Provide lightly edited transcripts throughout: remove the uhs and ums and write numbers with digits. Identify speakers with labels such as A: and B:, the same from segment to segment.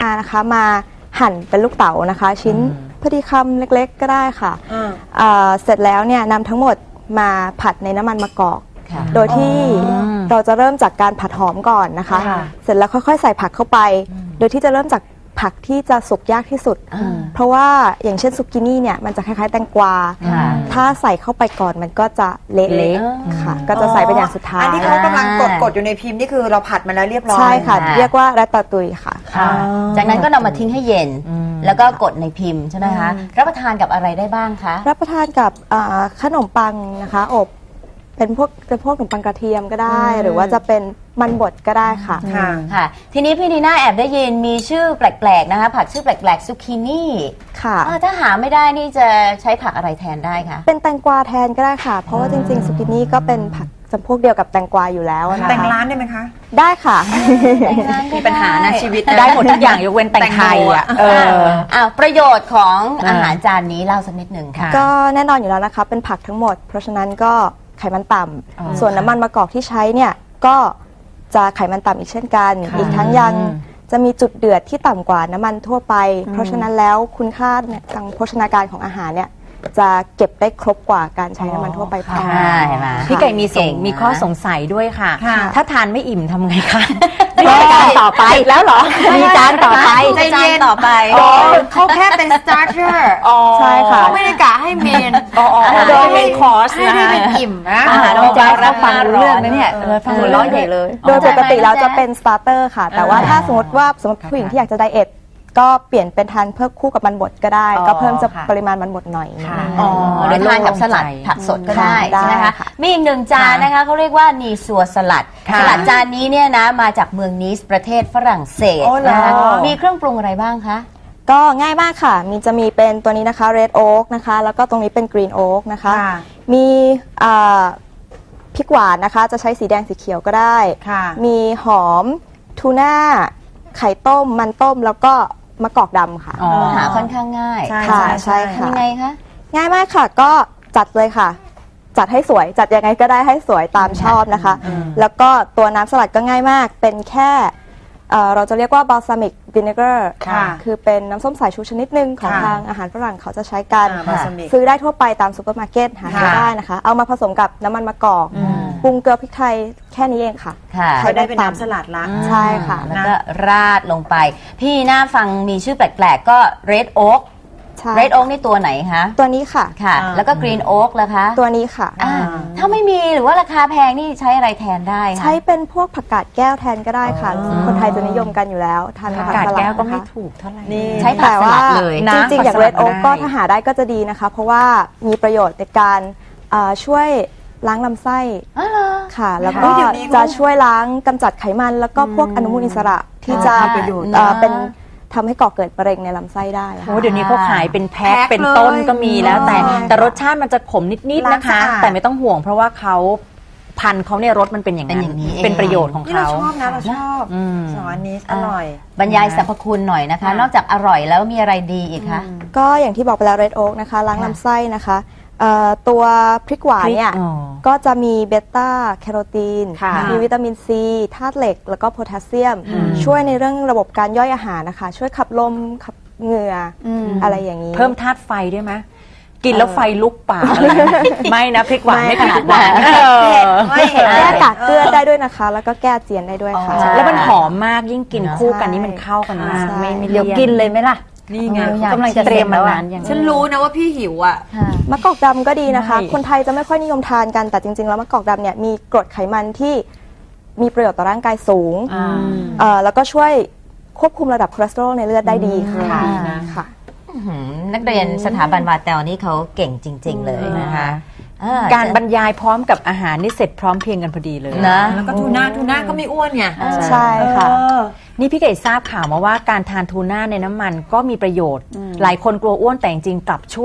A: นะคะมาหั่นเป็นลูกเต๋านะคะชิ้นพอดีคำเล็กๆก็ได้ค่ะเสร็จแล้วเนี่ยนำทั้งหมดมาผัดในน้ำมันมะกอกโดยที่เราจะเริ่มจากการผัดหอมก่อนนะคะเสร็จแล้วค่อยๆใส่ผักเข้าไปโดยที่จะเริ่มจากผักที่จะสุกยากที่สุดเพราะว่าอย่างเช่นซุกินี่เนี่ยมันจะคล้ายๆแตงกวาถ้าใส่เข้าไปก่อนมันก็จะเละๆค่ะก็จะใส่เป็นอย่างสุดท้าย
B: อันที่เขากำลังกดอยู่ในพิมพ์นี่คือเราผัดมาแล้วเรียบร้อย
A: ใช่ค่ะเรียกว่าราตาตุยค่ะ
C: จากนั้นก็นำมาทิ้งให้เย็นแล้วก็กดในพิมพ์ใช่ไหมคะรับประทานกับอะไรได้บ้างคะ
A: รับประทานกับขนมปังนะคะอบเป็นพวกขนมปังกระเทียมก็ได้หรือว่าจะเป็นมันบดก็ได้ค่ะ
C: ค่ะทีนี้พี่นีน่าแอบได้ยินมีชื่อแปลกๆนะคะผักชื่อแปลกๆซุกินี่
A: ค่ะ
C: ถ้าหาไม่ได้นี่จะใช้ผักอะไรแทนได้คะ
A: เป็นแตงกวาแทนก็ได้ค่ะเพราะว่าจริงๆซุกินี่ก็เป็นผักจำพวกเดียวกับแตงกวาอยู่แล้ว
B: แต่งร้านได้ไหมคะ
A: ได้ค่ะ
B: มีปัญหานะชีวิต
D: ได้หมดทุกอย่างยกเว้นแตงไทย
C: ประโยชน์ของอาหารจานนี้เล่าสักนิดหนึ่งค่ะ
A: ก็แน่นอนอยู่แล้วนะคะเป็นผักทั้งหมดเพราะฉะนั้นก็ไขมันต่ำส่วนน้ำมันมะกอกที่ใช้เนี่ยก็จะไขมันต่ำอีกเช่นกันอีกทั้งยังจะมีจุดเดือดที่ต่ำกว่าน้ำมันทั่วไปเพราะฉะนั้นแล้วคุณค่าทางโภชนาการของอาหารเนี่ยจะเก็บได้ครบกว่าการใช้น้ำมันทั่วไป
D: พี่ไก่มีข้อสงสัยด้วยค่ะถ้าทานไม่อิ่มทำไงคะ
A: มีจานต่อไปแล้วเหรอมีจานต่อไป
C: จานต่อไป
B: เขาแค่เป็น starter
A: ใช่ค่ะ
B: เขาไม่ได้กะให้เมน
D: โดยเป็นคอร์ส
B: นะให้เป็นอิ่มนะ
D: อาหารเราจะรับฟังเรื่องนะเนี่ย
A: ฟังหัวเราะใหญ่เลยโดยปกติแล้วจะเป็น starter ค่ะแต่ว่าถ้าสมมติว่าผู้หญิงที่อยากจะไดเอทก็เปลี่ยนเป็นทานเพิ่มคู่กับมันบดก็ได้ก็เพิ่มจะปริมาณมันบดหน่อย
C: หรือทานกับสลัดผักสดก็ได้ใช่ไหมคะมีอีกหนึ่งจานนะคะเขาเรียกว่านีซัวสลัดจานนี้เนี่ยนะมาจากเมืองนีสประเทศฝรั่งเศสนะคะมีเครื่องปรุงอะไรบ้างคะ
A: ก็ง่ายมากค่ะจะมีเป็นตัวนี้นะคะ red oak นะคะแล้วก็ตรงนี้เป็น green oak นะคะมีพริกหวานนะคะจะใช้สีแดงสีเขียวก็ได้มีหอมทูน่าไข่ต้มมันต้มแล้วก็มะกอกดำค่ะ
C: หาค่อนข้างง่าย
A: ใช่ค่ะ
C: ยังไงคะ
A: ง่ายมากค่ะก็จัดเลยค่ะจัดให้สวยจัดยังไงก็ได้ให้สวยตามชอบนะคะแล้วก็ตัวน้ำสลัดก็ง่ายมากเป็นแค่เราจะเรียกว่า balsamic vinegar คือเป็นน้ำส้มสายชูชนิดหนึ่งของทางอาหารฝรั่งเขาจะใช้กันซื้อได้ทั่วไปตามซูเปอร์มาร์เก็ตหาได้นะคะเอามาผสมกับน้ำมันมะกอกปรุงเกลือพริกไทยแค่นี้เองค่ะ
B: ใช้ได้เป็นน้ำสลัดละ
A: ใช่ค่ะ
C: แล้วก็ราดลงไปพี่น่าฟังมีชื่อแปลกๆก็ red oak red oak นี่ตัวไหนคะ
A: ตัวนี้ค่ะ
C: แล้วก็ green oak ล่ะคะ
A: ตัวนี้ค่ะ
C: ถ้าไม่มีหรือว่าราคาแพงนี่ใช้อะไรแทนได้
A: ใช้เป็นพวกผักกาดแก้วแทนก็ได้ค่ะคนไทยจะนิยมกันอยู่แล้วทานผักกาด
D: แก้วก็ไม่ถูกเท่าไหร่
C: ใช้ผักสลัดเลย
A: จริงๆอย่าง red oak ก็ถ้าหาได้ก็จะดีนะคะเพราะว่ามีประโยชน์ในการช่วยล้างลำไส้ค่ะแล้วก็จะช่วยล้างกำจัดไขมันแล้วก็พวกอนุมูลอิสระที่จะเป็นทำให้ก่อเกิดมะเร็งในลำไส้ได้
D: โอ้เดี๋ยวนี้เขาขายเป็นแพ็คเป็นต้นก็มีแล้วแต่รสชาติมันจะขมนิดๆนะคะแต่ไม่ต้องห่วงเพราะว่าเขาพันธุ์เขาเนี่ยรสมันเป็นอย่างนี้เป็นประโยชน์ของเขา
B: เราชอบนะเราชอบสอนนี้อร่อย
C: บรรยายสรรพคุณหน่อยนะคะนอกจากอร่อยแล้วมีอะไรดีอีกคะ
A: ก็อย่างที่บอกไปแล้ว red oak นะคะล้างลำไส้นะคะตัวพริกหวานเนี่ยก็จะมีเบต้าแคโรทีนมีวิตามินซีธาตุเหล็กแล้วก็โพแทสเซียมช่วยในเรื่องระบบการย่อยอาหารนะคะช่วยขับลมขับเหงื่ออะไรอย่างนี้
D: เพิ่มธาตุไฟด้วยไหมกินแล้วไฟลุกปากไม่นะพริกหวานไม่ขนาดนั้น
A: แก้กากเกลือได้ด้วยนะคะแล้วก็แก้เจียนได้ด้วยค่ะ
D: แล้วมันหอมมากยิ่งกินคู่กันนี่มันเข้ากันมากไม่
C: เดี๋ยวกินเลยไหมล่ะ
D: นี่ไงกำลังจะเตรียมมานานอย่าง
B: ฉันรู้นะว่าพี่หิวอ่ะ
A: มะกอกดำก็ดีนะคะคนไทยจะไม่ค่อยนิยมทานกันแต่จริงๆแล้วมะกอกดำเนี่ยมีกรดไขมันที่มีประโยชน์ต่อร่างกายสูงแล้วก็ช่วยควบคุมระดับคอเลสเตอรอลในเลือดได้ดีค่ะ
C: นักเรียนสถาบันวาเตลนี่เขาเก่งจริงๆเลยนะคะ
D: การบรรยายพร้อมกับอาหารนี่เสร็จพร้อมเพียงกันพอดีเลย
C: นะ
B: แล้วก็ทูน่าก็ไม่อ้วนไง
A: ใช่ค่ะ
D: นี่พี่ไก่ทราบข่าวมาว่าการทานทูน่าในน้ำมันก็มีประโยชน์หลายคนกลัวอ้วนแต่จริงๆกลับช่วย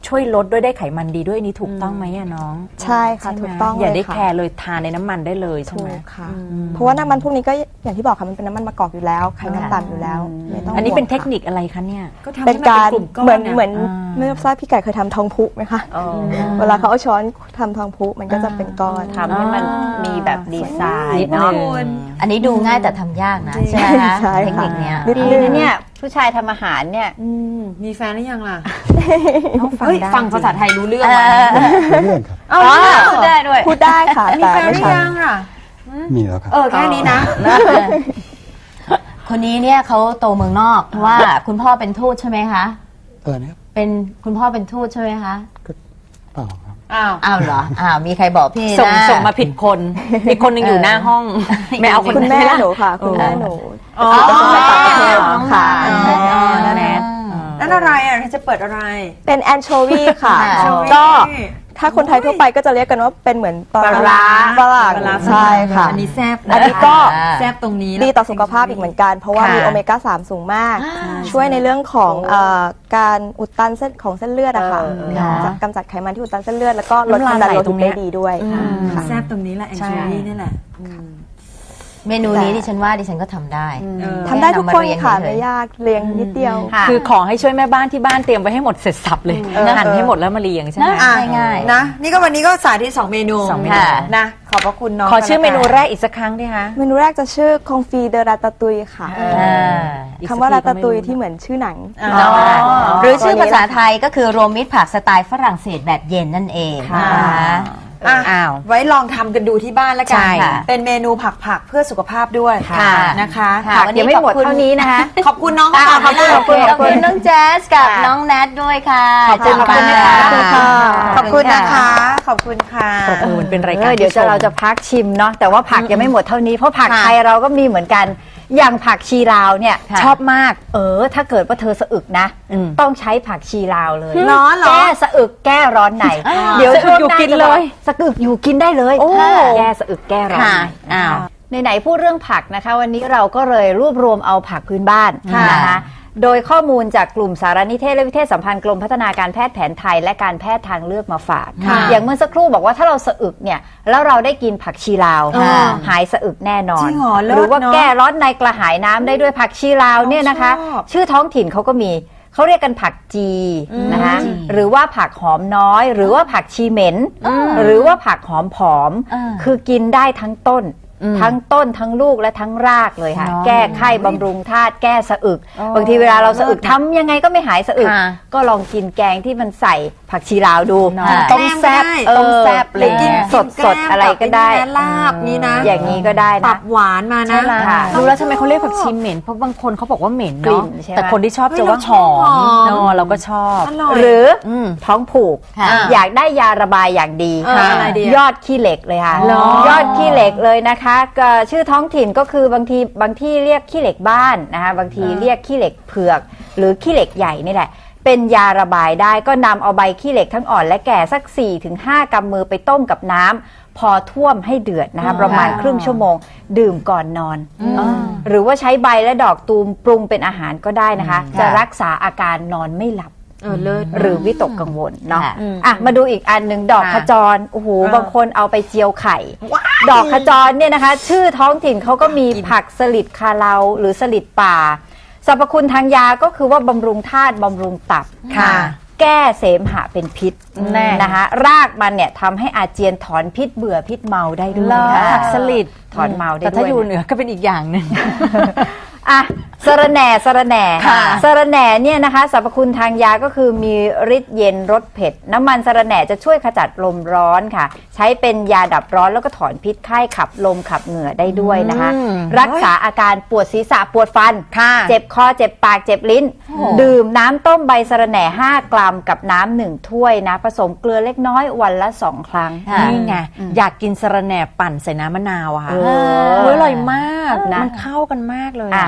D: ช่วยลดด้วยได้ไขมันดีด้วยนี่ถูกต้องไหมอะน้อง
A: ใช่ค่ะถูกต้อง
D: อย่าได้
A: เลยค่ะ
D: แคร์เลยทานในน้ำมันได้เลยใช่
A: ถู
D: ไหม
A: กค่ะ เพราะว่าน้ำมันพวกนี้ก็อย่างที่บอกค่ะมันเป็นน้ำมันมะกอกอยู่แล้วไขมันต่ำอยู่แล้วไม่ต้อง
D: อันนี้เป็น
A: ห่วง
D: เทค
A: ค่ะ
D: นิคอะไรคะเนี่ย
B: ก็ทำ
A: เป็นการ
B: ให้มันเป็นกลุ่มก้อน
A: เหมือน
B: เนี่ย
A: เหมือน
D: อ่า
A: ไม่ทราบพี่ไก่เคยทำทองพุไหมคะเวลาเขาเอาช้อนทำทองพุมันก็จะเป็นก้อน
E: ทำให้มันมีแบบดีไซน์
D: นิด
E: เนาะ
D: นึง
C: อันนี้ดูง่ายแต่ทำยากนะใช่ไหมคะ
A: ใช่
C: เทค
A: ค่ะ
C: นิคเนี้ย
A: นิด
E: ดี
A: นึง
E: นะเนี่ยผู้ชายทำอาหารเนี่ย
B: มีแฟนหรือยังล่ะ
D: ฟัง
B: เฮ้ย
D: ได้
B: ฟังภาษาไทยรู้เรื่อง
C: เอ
B: ไหม
C: อ
F: เรื่องครับ
B: เอา
C: อ๋อ
B: เรื่อง
C: พูดได้ด้วย
A: พูดได้ค่ะ
B: มี
A: แต่
B: แฟนห
A: ไม่
B: รือ
A: ใช่
B: ยังอ่ะ
F: มีแล้วครับ
B: แค่นี้นะ
C: คนนี้เนี่ยเขาโตเมืองนอกเพราะว่าคุณพ่อเป็นทูตใช่ไหมคะ
F: อะไรนะครับ
C: เป็นคุณพ่อเป็นทูตใช่ไหมคะ
F: เปล่าครับ
B: อ้าว
C: อ้าวเหรออ้าวมีใครบอกพี่
D: ส่ง
C: นะ
D: ส่งมาผิดคนอีกคนหนึงอยู่หน้าห้อง ไม่เอาคน
A: คุณแม่
D: นี้ละ
A: หนูค่ะ คุณแม่หนู
B: อ๋อ
A: ไปต่างประเทศค่ะ
B: อ๋อ
D: แนท
B: นั่นอะไรอ่ะเธอจะเปิดอะไร
A: เป็นแอนโชวีค่ะ
C: ค่ะ
A: ก็ถ้าคนไทยทั่วไปก็จะเรียกกันว่าเป็นเหมือนปลาร้าฝรั่งใช่ค่ะ
B: อันนี้แซ่บ
A: อันนี้ก็
B: แซ่บตรงนี้
A: ดีต่อสุขภาพอีกเหมือนกัน เพราะว่า
D: ค่ะ
A: มีโอเมก้า 3 สูงมาก ช่วยในเรื่องของการอุดตันเส้นของเส้นเลือดอะค่ะ
C: ค่ะ
A: จะกำจัดไขมันที่อุดตันเส้นเลือดแล้วก็ลดความดันโลหิตได้ดีด้วยค่ะ
B: แซ่บตรงนี้แหละแอนโชวีนี่แหละ
C: เมนูนี้ดิฉันว่าดิฉันก็ทำได้
A: ทำได้ทุกคนค่ะ
C: แนะนำมาเรียนเฉยๆ
A: ไม่ยากเรียงนิดเดียว
E: ค่ะ
D: คือขอให้ช่วยแม่บ้านที่บ้านเตรียมไว้ให้หมดเสร็จสับเลยหั่นให้หมดแล้วมาเรียงใช่ไหม
C: นะ ง่ายๆ
B: นะ นี่ก็วันนี้ก็สาธิต2 เมนู
D: สองเมนู
B: ค่ะนะ ขอบพระคุณน้อง
D: ขอชื่อเมนู
B: กัน
D: แร
B: ละ
D: กอีกสักครั้งดิคะ
A: เมนูแรกจะชื่อคองฟีเดราตาตุยค่ะ
D: อีก
A: คำ
D: สัก
A: ว่า
D: ที
A: รา
D: ก็
A: ตา
D: ไม่
A: ตุย
D: รู้
A: ที่เหมือนชื่อหนัง
B: อ๋อ
C: หรือชื่อภาษาไทยก็คือรวมมิตรผักสไตล์ฝรั่งเศสแบบเย็นนั่นเอง
D: ค่ะ
C: นะคะ
B: อ่ะ
D: อ้าว
B: ไว้ลองทำกันดูที่บ้านแล้วกั
D: ใช่
B: ค่ะ เป็นเมนูผักๆเพื่อสุขภาพด้วย
C: ค่ะ
B: นะคะ
C: ค่ะ
E: ผักยังไม่หมดเท่านี้นะคะ
B: ขอบคุณน้อง
C: ขอบคุณ
B: ขอบคุณ
C: ขอบคุณน้องแจ๊สกับน้องแนทด้วยค่ะ
B: ขอบคุณ
C: ขอบคุณนะคะ
B: ขอบคุณนะคะ ขอบคุณค่ะ
D: มันเป็นรายการ
E: เดี๋ยว
D: ที่ชม
E: เราจะพักชิมเนาะแต่ว่าผักยังไม่หมดเท่านี้เพราะผัก
C: ค่ะ
E: ไทยเราก็มีเหมือนกัน อย่างผักชีลาวเนี่ย
C: ค่ะ
E: ชอบมากถ้าเกิดว่าเธอสะอึกนะ
D: อืม
E: ต้องใช้ผักชีลาวเลย
B: เหรอ
E: แก้สะอึกแก้ร้อนในเดี๋ยวช่วงหน้า
D: สะอึกอยู่กิน
E: จะ
D: เลย
E: สะอึกอยู่กินได้เลย
D: โอ้
E: แก้สะอึกแก้ร้อน
C: ค่ะ
E: ใน
D: อ้าว
E: ไหนๆพูดเรื่องผักนะคะ วันนี้เราก็เลยรวบรวมเอาผักพื้นบ้าน
C: ค่ะ
E: นะคะโดยข้อมูลจากกลุ่มสารนิเทศและวิเทศสัมพันธ์กรมพัฒนาการแพทย์แผนไทยและการแพทย์ทางเลือกมาฝาก
B: ค่ะ
E: อย่างเมื่อสักครู่บอกว่าถ้าเราสะอึกเนี่ยแล้วเราได้กินผักชีลาว
C: ค่ะ
E: หายสะอึกแน่นอน
B: จริงเหรอเลิศ
E: หรือว่า
B: เนอะ
E: แก้ร้อนในกระหายน้ำได้ด้วยผักชีลาวเนี่ยนะคะ
B: ชอบ
E: ชื่อท้องถิ่นเขาก็มีเขาเรียกกันผักจีนะคะ
C: จี
E: หรือว่าผักหอมน้อย หรือว่าผักชีเหม็น หรือว่าผักหอมผอม คือกินได้ทั้งต้น ทั้งต้นทั้งลูกและทั้งรากเลยค่ะ
D: เนาะ
E: แก้ไข้บำรุงธาตุแก้สะอึก บางทีเวลาเราสะอึกทำยังไงก็ไม่หายสะอึก
D: ค่ะ
E: ก็ลองกินแกงที่มันใส่ผักชีลาวดู
D: เนาะ
E: ต้มแซบ
B: แกล้มก็ได้
E: ต้มแซบอะไร
B: กิน
E: เงี้ยสดๆอะไรก็ได้
B: ลาบนี่นะ
E: อย่างนี้ก็ได้
B: ปรั
E: นะ
B: บหวานมานะ
E: ใช่แล้วค่ะ
D: รู้แล้วทำไมเขาเรียกผักชีเหม็นเพราะบางคนเขาบอกว่าเหม็น
E: กลิ่
D: เนาะ
E: นใช่ไหม
D: แต่คนที่ชอบจะว่าหอมเนาะเราก็ชอบ
B: อร่อย
E: หรือ
D: ม
E: ท้องผูก
C: ค่ะ
E: อยากได้ยาระบายอย่างดี
B: อะไรดีอะ
E: ยอดขี้เหล็กเลยค่ะ
B: เหรอ
E: ยอดขี้เหล็กเลยนะคะก็ชื่อท้องถิ่นก็คือบางที่เรียกขี้เหล็กบ้านนะคะบางทีเรียกขี้เหล็กเผือก หรือขี้เหล็กใหญ่นี่แหละ เป็นยาระบายได้ก็นำเอาใบขี้เหล็กทั้งอ่อนและแก่สัก 4-5 กำมือไปต้มกับน้ำพอท่วมให้เดือดนะคะประมาณครึ่งชั่วโมง ดื่มก่อนนอน หรือว่าใช้ใบและดอกตูมปรุงเป็นอาหารก็ได้นะคะ จะรักษาอาการนอนไม่หลับ
B: เลิศ
E: หรือวิตกกังวลเนาะ
C: ค่ะ
E: อ่ะมาดูอีกอันหนึ่งดอกขจรโอ้โหบางคนเอาไปเจียวไข่ ดอกขจรเนี่ยนะคะ ชื่อท้องถิ่นเขาก็มีผักสลิดคาเลาหรือสลิดป่าสรรพคุณทางยาก็คือว่าบำรุงธาตุบำรุงตับ
D: ค่ะ
E: แก้เสมหะเป็นพิษนะคะรากมันเนี่ยทำให้อาเจียนถอนพิษเบื่อพิษเมาได้ด้วย
D: เหรอ
E: นะ
D: ผักสลิด
E: ถอนเมาได้
D: แต่
E: ด้วย
D: ถ้าอยู่เหนือก็เป็นอีกอย่างหนึ่ง
E: อ่ะสะระแหน่สะระแหน่
D: ค่ะ
E: สะระแหน่เนี่ยนะคะสรรพคุณทางยาก็คือมีฤทธิ์เย็นรสเผ็ด น้ำมันสะระแหน่จะช่วยขจัดลมร้อนค่ะ ใช้เป็นยาดับร้อนแล้วก็ถอนพิษไข้ขับลมขับเหงื่อได้ด้วยนะคะ รักษาอาการปวดศีรษะปวดฟัน
D: ค่ะ
E: เจ็บคอเจ็บปากเจ็บลิ้น ดื่มน้ำต้มใบสะระแหน่ 5 กรัมกับน้ำ1 ถ้วยนะผสมเกลือเล็กน้อยวันละ 2 ครั้ง
C: ค่ะ
D: นี่ไงอยากกินสะระแหน่ปั่นใส่น้ำมะนาวอะค่ะ
E: เออ
D: โอ้ยอร่อยมาก
E: นะ
D: มันเข้ากันมากเลย
E: อ่ะ
D: อะ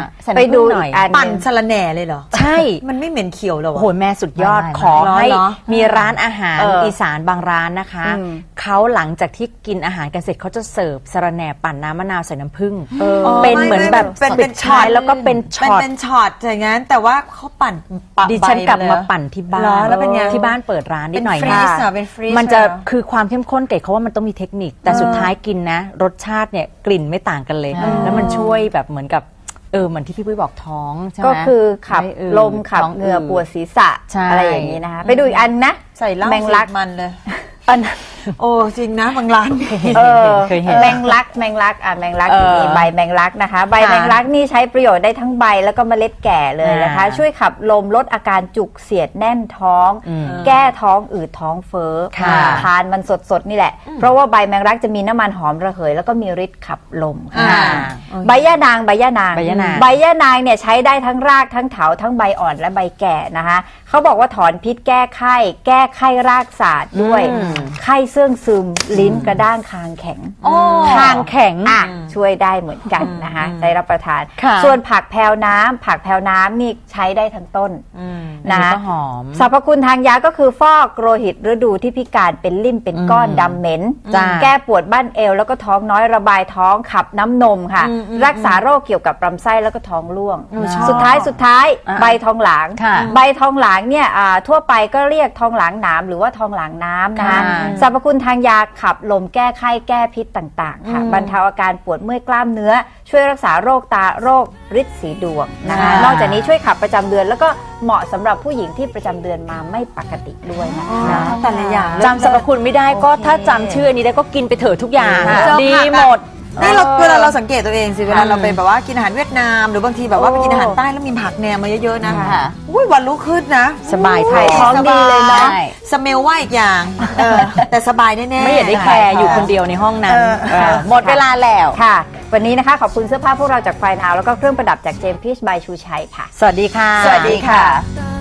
D: ใส่
E: ไป
D: น้ำ
E: ดู
D: ผึ้งหน่อย
E: อีกอันห
B: ปั่น
E: นึ่ง
B: สลัดแหน่เลยเหรอ
D: ใช่
B: มันไม่เหม็นเขียวเหรอ
D: โอ้
B: วะ
D: โหแม่สุดยอด
C: ไม่
D: ขอให้
B: เหรอ
D: มีร้านอาหาร
E: เอออี
D: อีสานบางร้านนะคะ
E: อืม
D: เขาหลังจากที่กินอาหารกันเสร็จเขาจะเสิร์ฟสะระแหน่ปั่นน้ำมะนาวใส่น้ำผึ้ง
B: อ๋อ
D: เป็น
B: ไม่
D: เหมือน
B: ไม่
D: แบบ
B: เป็น
D: สุดท้าย
B: ช็อต
D: แล้วก็เป็นช็อต
B: เป็นช็อตอย่างนั้นแต่ว่าเขาปั่นปะ
D: ดิฉันกลับ
B: ใเลย
D: มา
B: เหรอ
D: ปั่นที่บ้า
B: เหรอน แล้วเป็นไง
D: ที่บ้านเปิดร้านนิ
B: เป็
D: ด
B: น
D: หน่อย
B: ฟรี
D: ค่ะ
B: ซเหรอเป็นฟรีซ
D: มันจะ
B: เหรอ
D: คือความเข้มข้นเกรดเขาว่ามันต้องมีเทคนิค แต่สุดท้ายกินนะ รสชาติเนี่ยกลิ่นไม่ต่างกันเลย แล้วมันช่วยแบบเหมือนกับเหมือนที่พี่ปุ้ยบอกท้องใช่ไหม
E: ก็คือขับ
D: ไม่อืด
E: ลมขับ
D: ท้อง
E: เหงื่อปวดศีรษะ
D: ใช่
E: อะไรอย่างนี้นะคะไปดูอีกอันนะ
B: ใส่เหล้า
E: แมงลัก
B: สูตรมันเลย
D: อันนั้น
B: โอ้จริงนะบางร้าน
D: เคยเห็น
E: แมงลักแมงลักแมงลัก
D: เออ
E: มีใบแมงลักนะคะ ใบแมงลักนี่ใช้ประโยชน์ได้ทั้งใบแล้วก็เมล็ดแก่เลยนะคะ ช่วยขับลมลดอาการจุกเสียดแน่นท้อง แก้ท้องอืดท้องเฟ้อ
D: ค่ะ
E: ทานมันสดๆนี่แหละ เพราะว่าใบแมงลักจะมีน้ำมันหอมระเหยแล้วก็มีฤทธิ์ขับลมค่ะ
D: อ่า
E: ใบย่านางใบย่านาง
D: ใบย่านาง
E: ใบย่านางเนี่ยใช้ได้ทั้งรากทั้งเถาทั้งใบอ่อนและใบแก่นะคะเขาบอกว่าถอนพิษแก้ไข้รากศาสตร์ด้วย ไข้เสื่องซึมลิ้นกระด้างคางแข็ง
D: คางแข็ง
E: ช่วยได้เหมือนกันนะคะได้รับประทาน
D: ค่ะ
E: ส่วนผักแพรวน้ำนี่ใช้ได้ทั้งต้น
D: นะ
E: นะคะ
D: ก็หอม
E: สรรพคุณทางยาก็คือฟอกโลหิตฤดูที่พิการเป็นลิ่มเป็นก้อนดำเหม็น
D: จ้า
E: แก้ปวดบั้นเอวแล้วก็ท้องน้อยระบายท้องขับน้ำนมค่ะ รักษาโรคเกี่ยวกับลำไส้แล้วก็ท้องร่วง สุดท้ายใบทองหลาง
D: ค่ะ
E: ใบทองหลางเนี่ยทั่วไปก็เรียกทองหลางหนามหรือว่าทองหลางน้ำนะคะ
D: ค่ะ
E: สรรพคุณทางยาขับลมแก้ไข้แก้พิษต่างๆค่ะบรรเทาอาการปวดเมื่อยกล้ามเนื้อ ช่วยรักษาโรคตาโรคฤทธิ์สีดวงนะคะนอกจากนี้ช่วยขับประจำเดือนแล้วก็เหมาะสำหรับผู้หญิงที่ประจำเดือนมาไม่ปกติด้วยนะคะ
B: แต่ละอย่าง
D: จำสรรพคุณไม่ได้ก็ถ้าจำชื่อนี้ได้ก็กินไปเถอะทุกอย่าง
B: เจอ
D: ดี
B: ผักอะ
D: หมด
B: นี่เราเวลาเราสังเกตตัวเองสิเวลาเราไปแบบว่ากินอาหารเวียดนาม หรือบางทีแบบว่าไปกินอาหารใต้แล้วมีผักแหนมมาเยอะๆนะ
C: ค่ะ
B: อุ้ยวันรุ่งขึ้นนะ
D: สบายท้
B: อุ้
D: อง
B: สบ
E: ดีเลยเนอะ
B: สเมลว่าอีกอย่างแต่สบายแน่ๆ
D: ไม่อยากได้แคร์อยู่คนเดียวในห้องนั้นหมดเวลาแล้ว
E: ค่ะ วันนี้นะคะขอบคุณเสื้อผ้าพวกเราจากไฟนาวแล้วก็เครื่องประดับจากเจมส์พีชบายชูชัยค่ะ
D: สวัสดีค่ะ
B: สวัสดีค่ะ